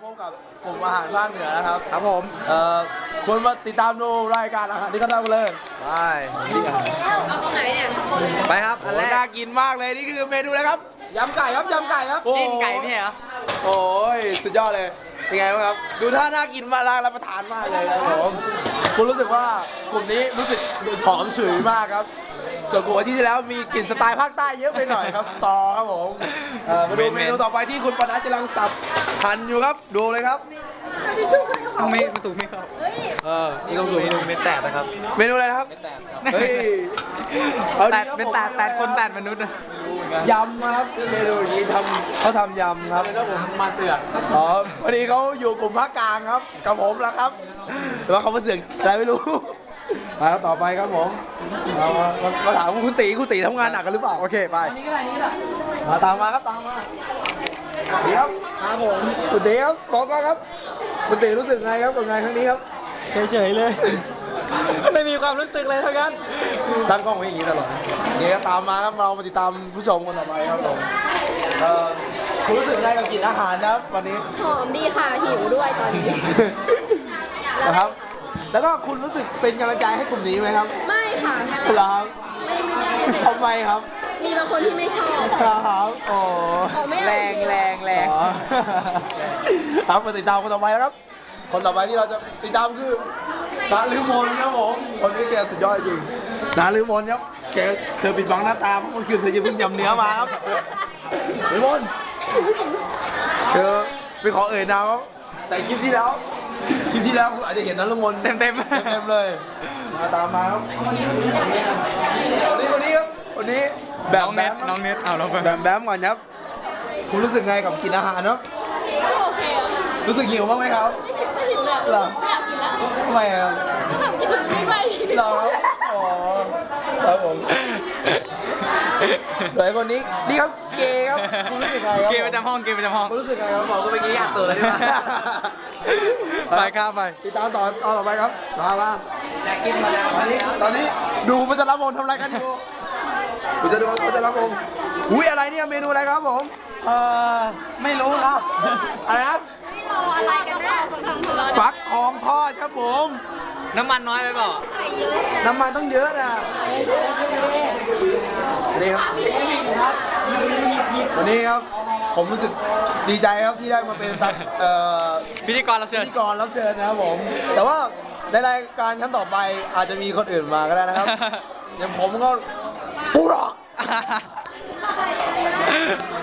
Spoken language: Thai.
พบกับกลุ่มอาหารภาคเหนือนะครับครับผมคุณมาติดตามดูรายการอาหารที่เขาทำกันเลยไปเอาตรงไหนเนี่ยไปครับอันแรกน่ากินมากเลยนี่คือเมนูอะไรครับยำไก่ครับยำไก่ครับจิ้มไก่พี่เหรอโอ้ยสุดยอดเลยเป็นไงบ้างครับดูท่าน่ากินมากรับประทานมากเลยครับผมคุณรู้สึกว่ากลุ่มนี้รู้สึกหอมฉุยมากครับส่วนกลุ่มที่แล้วมีกลิ่นสไตล์ภาคใต้เยอะไปหน่อยครับสตอครับผมมาดูเมนูต่อไปที่คุณปนัดกำลังสับหั่นอยู่ครับดูเลยครับไม่ประตูไม่เข้านี่ต้องดูไม่แตกนะครับเมนูอะไรนะครับไม่แตกครับเฮ้ยเป็นแตกคนแตกมนุษย์นะยำครับเมนูอย่างนี้เขาทำยำครับแล้วผมมาเตือนพอดีเขาอยู่กลุ่มภาคกลางครับกับผมแล้วครับแต่ว่าเขามาเสือกอะไรไม่รู้ไปครับต่อไปครับผมมาถามคุณตีทำงานหนักกันหรือเปล่าโอเคไปนี่ก็อะไรนี่แหละมาตามมาครับเดี๋ยวครับผมคุณตีครับบอกก่อนครับคุณตีรู้สึกไงครับกับงานครั้งนี้ครับเฉยๆเลยไม่มีความรู้สึกเลยเท่านั้นตั้งกล้องไว้อย่างนี้ตลอดนี่ก็ตามมาครับเรามาติดตามผู้ชมคนต่อไปครับผมคุณรู้สึกไงกับกลิ่นอาหารนะครับวันนี้หอมดีค่ะหิวด้วยตอนนี้นะครับแล้วก็คุณรู้สึกเป็นกำลังใจให้กลุ่มนี้ไหมครับไม่ค่ะครับทำไมครับมีบางคนที่ไม่ชอบครับโอ้แรงครับมาติดตามคนต่อไปแล้วครับคนต่อไปที่เราจะติดตามคือนาลือมนครับผมคนนี้แกสุดยอดจริงนาลือมนครับแกเธอปิดบังหน้าตาเพราะเมื่อคืนเธอจะเพิ่งยำเนื้อมาครับลือมนเธอไปขอเอ่ยนามครับแต่คลิปที่แล้วคุณอาจจะเห็นนาลือมนเต็มเลยมาตามมาครับคนนี้ครับคนนี้แบบน้องเน็ตเอาเราแบบก่อนครับคุณรู้สึกไงกับกินอาหารเนาะก็โอเครู้สึกหิวบ้างไหมครับไม่หิวเลยหรอไม่อยากกินแล้วทำไมครับก็แบบกินไม่หรออ๋อครับผมเดี๋ยวคนนี้นี่ครับเกย์ครับคุณรู้สึกไงครับเกย์ประจำห้องคุณรู้สึกไงครับบอกก็เมื่อกี้อยากเตือนเลยไปครับไปติดตามต่อไปครับมาอยากกินมาแล้วตอนนี้ดูมันจะรับวงทำอะไรกันอยู่คุณจะดูมันจะรับวงอุ้ยอะไรเนี่ยเมนูอะไรครับผมไม่รู้ครับอะไรนะอะไรกันแน่ฟักทองทอดครับผมน้ำมันน้อยไปเปล่าน้ำมันต้องเยอะนะนี่ครับวันนี้ครับผมรู้สึกดีใจครับที่ได้มาเป็นพิธีกรรับเชิญนะครับผมแต่ว่าในรายการครั้งต่อไปอาจจะมีคนอื่นมาก็ได้นะครับอย่างผมก็ปูหรอก